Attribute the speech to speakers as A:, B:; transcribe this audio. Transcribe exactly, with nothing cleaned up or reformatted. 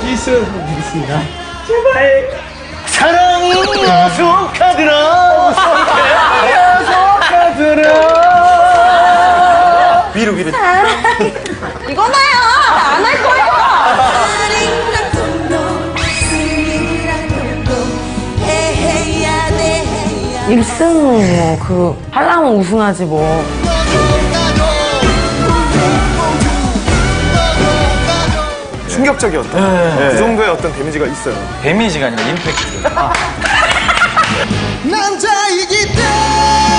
A: 실수 드리겠습니다. 제발 사랑이 약속하더라. 약속하더라. 위로 위로.
B: 이거나요. 안 할 거예요. 일 승은 뭐 그 하려면 우승하지 뭐.
C: 충격적이었다. 네. 그 정도의 어떤 데미지가 있어요.
D: 데미지가 아니라 임팩트. 아.
E: 남자이기 때문에